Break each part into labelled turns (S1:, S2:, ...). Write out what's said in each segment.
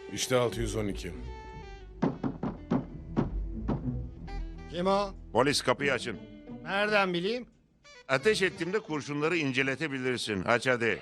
S1: İşte 612.
S2: Kim o?
S3: Polis, kapıyı açın.
S2: Nereden bileyim?
S3: Ateş ettiğimde kurşunları inceletebilirsin. Aç hadi.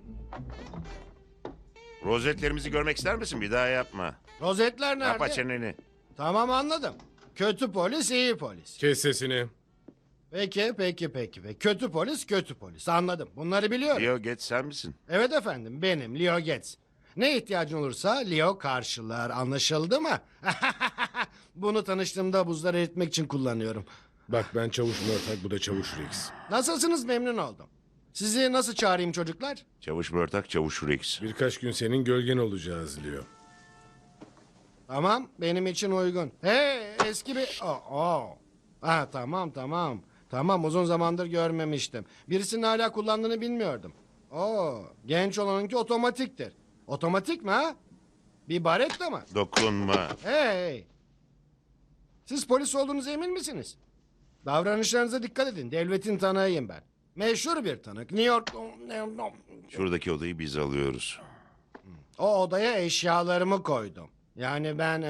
S3: Rozetlerimizi görmek ister misin? Bir daha yapma.
S2: Rozetler nerede?
S3: Kapa çeneni.
S2: Tamam, anladım. Kötü polis, iyi polis.
S1: Kes sesini.
S2: Peki. Kötü polis, kötü polis. Anladım. Bunları biliyorum.
S3: Leo, geç sen misin?
S2: Evet efendim, benim Leo Getz. Ne ihtiyacın olursa Leo karşılar. Anlaşıldı mı? Bunu tanıştığımda buzları eritmek için kullanıyorum.
S1: Bak, ben Çavuş Mörtak, bu da Çavuş Rex.
S2: Nasılsınız, memnun oldum. Sizi nasıl çağırayım çocuklar?
S3: Çavuş Mörtak, Çavuş Rex.
S1: Birkaç gün senin gölgen olacağız Leo.
S2: Tamam, benim için uygun. Hey, eski bir... Ha, tamam. Tamam, uzun zamandır görmemiştim. Birisinin hala kullandığını bilmiyordum. Genç olanınki otomatiktir. Otomatik mi ha? Bir baretta mı?
S3: Dokunma.
S2: Hey! Siz polis olduğunuza emin misiniz? Davranışlarınıza dikkat edin. Devletin tanığıyım ben. Meşhur bir tanık. New York...
S3: Şuradaki odayı biz alıyoruz.
S2: O odaya eşyalarımı koydum. Yani ben...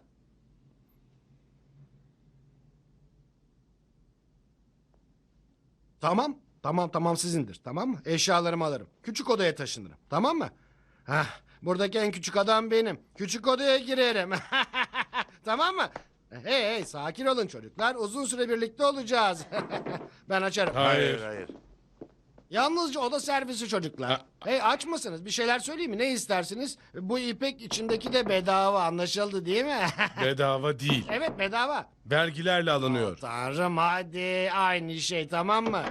S2: Tamam sizindir, tamam mı? Eşyalarımı alırım. Küçük odaya taşınırım, tamam mı? Buradaki en küçük adam benim. Küçük odaya girerim. Tamam mı? Hey, sakin olun çocuklar. Uzun süre birlikte olacağız. Ben açarım.
S1: Hayır.
S2: Yalnızca oda servisi çocuklar. Hey, aç mısınız? Bir şeyler söyleyeyim mi? Ne istersiniz? Bu ipek içindeki de bedava, anlaşıldı değil mi?
S1: Bedava değil.
S2: Evet, bedava.
S1: Vergilerle alınıyor.
S2: Tanrım, hadi aynı şey, tamam mı?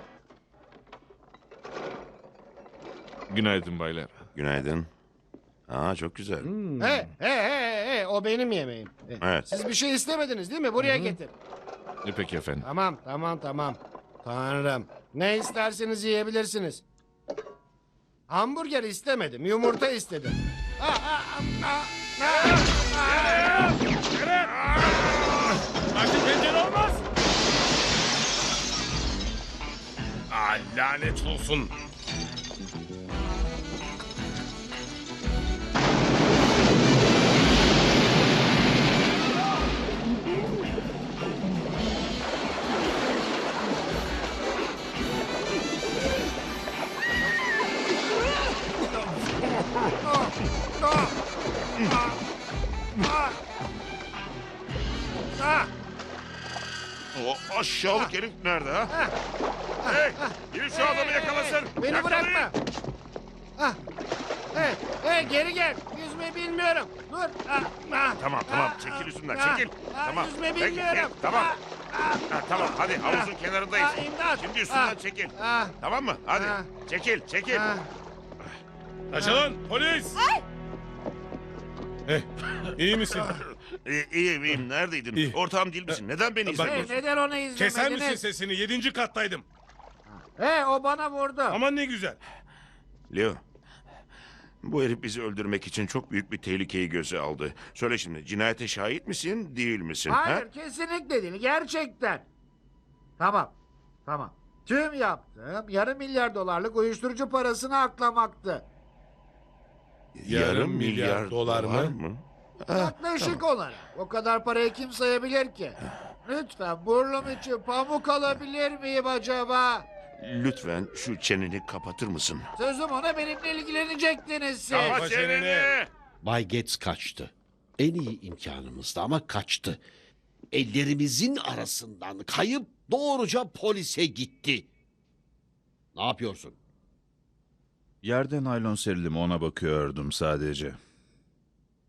S4: Günaydın baylar.
S3: Günaydın. Çok güzel.
S2: Hey, o benim yemeğim.
S3: Evet.
S2: Siz bir şey istemediniz değil mi? Buraya getir.
S4: Peki efendim.
S2: Tamam. Tanrım, ne isterseniz yiyebilirsiniz. Hamburger istemedim, yumurta istedim.
S1: Artık pencere olmaz. Lanet olsun.
S3: O aşağılık herif nerede ha? Hey! Biri şu adamı yakalasın.
S2: Beni
S3: Yakalayın.
S2: bırakma. Hey, geri gel. Yüzme bilmiyorum. Dur.
S3: Tamam, çekil üstümden, çekil. Tamam.
S2: Yüzme
S3: Peki,
S2: bilmiyorum.
S3: tamam. Tamam, hadi havuzun kenarındayız.
S2: İmdat.
S3: Şimdi üstünden çekil. Tamam mı? Hadi. Çekil.
S1: Açılın, polis. İyi misin?
S3: İyiyim. Neredeydin?
S1: İyi.
S3: Ortağım değil misin? Neden beni
S2: Hey,
S3: izlemiyorsun?
S2: neden onu izlemediniz?
S1: Keser misin sesini? 7. kattaydım.
S2: Hey, o bana vurdu.
S1: Aman ne güzel.
S3: Leo. Bu herif bizi öldürmek için çok büyük bir tehlikeyi göze aldı. Söyle şimdi, cinayete şahit misin, değil misin?
S2: Hayır,
S3: Ha?
S2: kesinlikle değil. Gerçekten. Tamam. Tüm yaptığım $500 milyon uyuşturucu parasını aklamaktı.
S1: Yarım milyar dolar mı?
S2: Yaklaşık olarak. O kadar parayı kim sayabilir ki? Lütfen burnum için pamuk alabilir miyim acaba?
S3: Lütfen şu çeneni kapatır mısın?
S2: Sözüm ona, benimle ilgilenecektiniz siz.
S1: Kapa çeneni.
S5: Bay Getz kaçtı. En iyi imkanımızdı ama kaçtı. Ellerimizin arasından kayıp doğruca polise gitti. Ne yapıyorsun?
S4: Yerde naylon serili mi ona bakıyordum sadece.